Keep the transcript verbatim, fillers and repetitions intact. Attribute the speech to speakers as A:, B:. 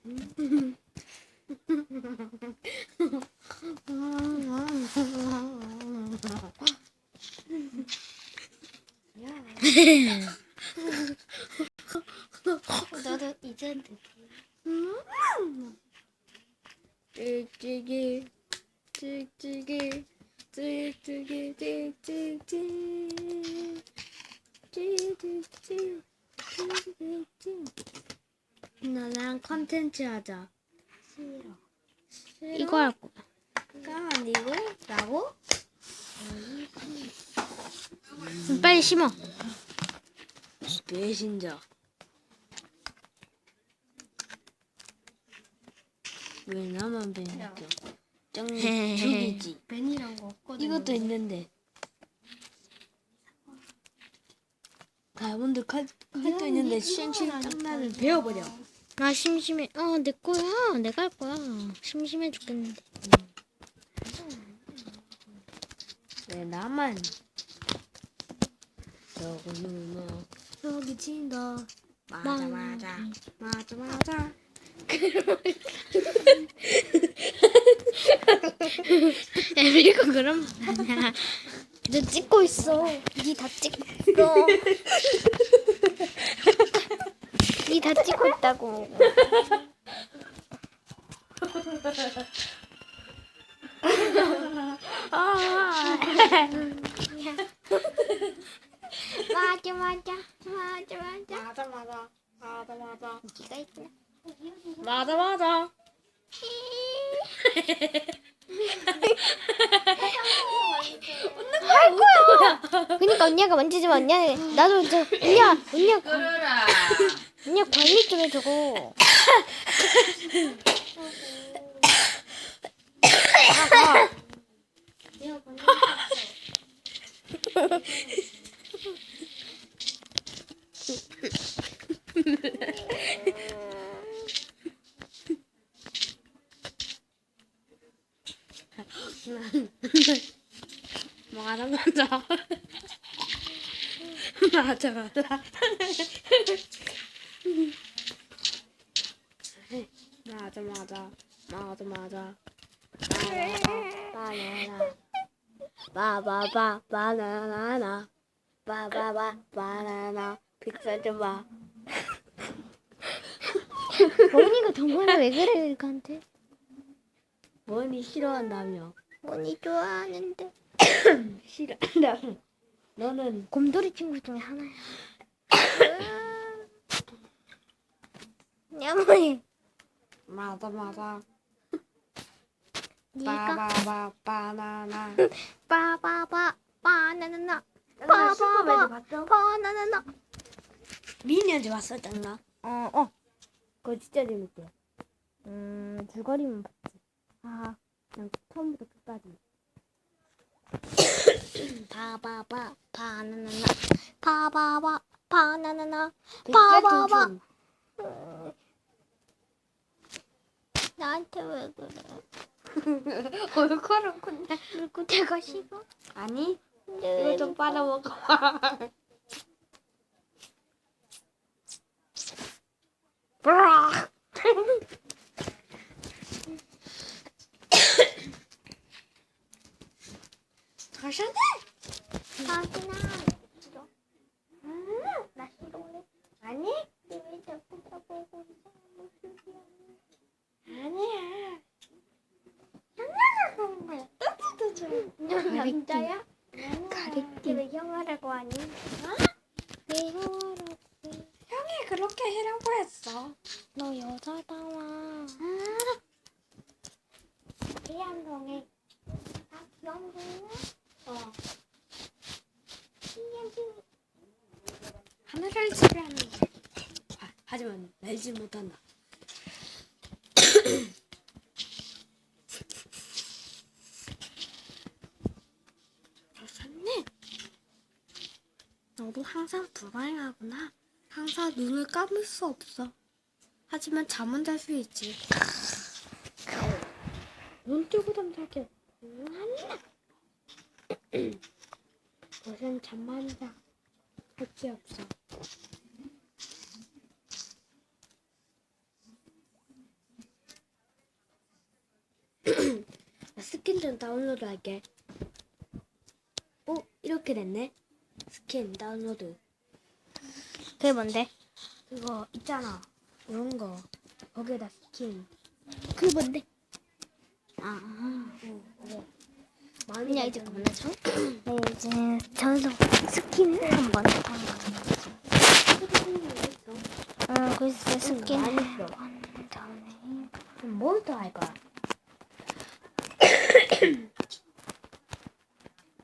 A: 나도 이제
B: 찍찍이 찍찍이 찍찍이 찍찍이 찍찍이 찍찍이. 나랑 컨텐츠 하자.
A: 싫어.
B: 싫어?
A: 이거 할 거야.
B: 가 아니고 라고?
A: 음, 빨리 심어.
B: 배신자. 왜 나만 배신자? 짱 죽이지.
A: 벤이란 거 없거든.
B: 이것도 있는데. 다이아몬드 칼, 칼도 있는데 쉔쉔 짱나를 베어버려.
A: 아 심심해. 아 내 거야. 내가 할 거야. 심심해 죽겠는데.
B: 왜 나만 저거는 뭐 여기 친다. 맞아 맞아 맞아 맞아.
A: 에밀고 그럼 아니야. 너 찍고 있어. 니 다 찍고. 니 다 찍고 있다고. 맞아 맞아 맞아 맞아.
B: 맞아 맞아 맞아 맞아
A: 니가 있구나.
B: 맞아 맞아.
A: 할 거야. 그러니까 언니가 만지지마. 언니 나도 저 언니 언니
C: 끌어라.
A: 언니 관리 좀 해주고.
B: 맞아 맞아 맞아 맞아 맞아 맞아 맞아 맞아 바나나 바바바 바나나 바바바 바나나 픽셀 좀봐.
A: 언니가 정말 왜 그래 이렇게한테?
B: 뭐니 싫어한다며?
A: 언니 좋아하는데.
B: 싫어한다며? 너는
A: 곰돌이 친구 중에 하나야. 야무해.
B: 맞아 맞아
A: 니가
B: 바바바 바나나
A: 빠바바 바나나나
B: 나 슈퍼배드
A: 빠바바
B: 봤어?
A: 바나나나.
B: 미니언즈 봤어 짱나?
A: 어 어.
B: 그거 진짜 재밌대.
A: 음 줄거리만 봤지. 아 그냥 처음부터 끝까지. 바바바 바나나나 바바바 바나나나 바바바.
B: 백설통촌.
A: 나한테 왜 그래?
B: 얼굴은 근데
A: 그리고 내가 싫어?
B: 아니
A: 근데
B: 이거
A: 왜
B: 좀 빨아먹어. 가셔야 돼.
A: 자기나 싫어. 음, 나 싫어해.
B: 아니
A: 왜 자꾸 나보고 이상한 모습이야?
B: 아니야.
A: 그런 거야. 넌 남자야? 가리끼. 왜 형아라고 하니? 왜 형아라고 해?
B: 형이 그렇게 해라고 했어.
A: 너 여자다워. 태양동에 아 영동이야?
B: 어.
A: 신년중
B: 하늘을 지배하는 거. 아, 하지만 날지 못한다. 좋네. 너도 항상 불안하구나. 항상 눈을 감을 수 없어. 하지만 잠은 잘 수 있지. 눈 뜨고 잠자게. 요새는 잠만 자. 할 게 없어. 스킨 좀 다운로드 할게. 어? 이렇게 됐네. 스킨 다운로드.
A: 그게 뭔데?
B: 그거 있잖아. 이런 거. 거기에다 스킨.
A: 그게 뭔데?
B: 아, 어, 어. 많이
A: 그냥 이제
B: 발전해.
A: 그만하죠. 네, 이제 전속 스킨을 한번 해보는 거죠. 어, 글쎄 스킨
B: 많이
A: 해본
B: 있어.
A: 다음에
B: 뭘 더 할 거야?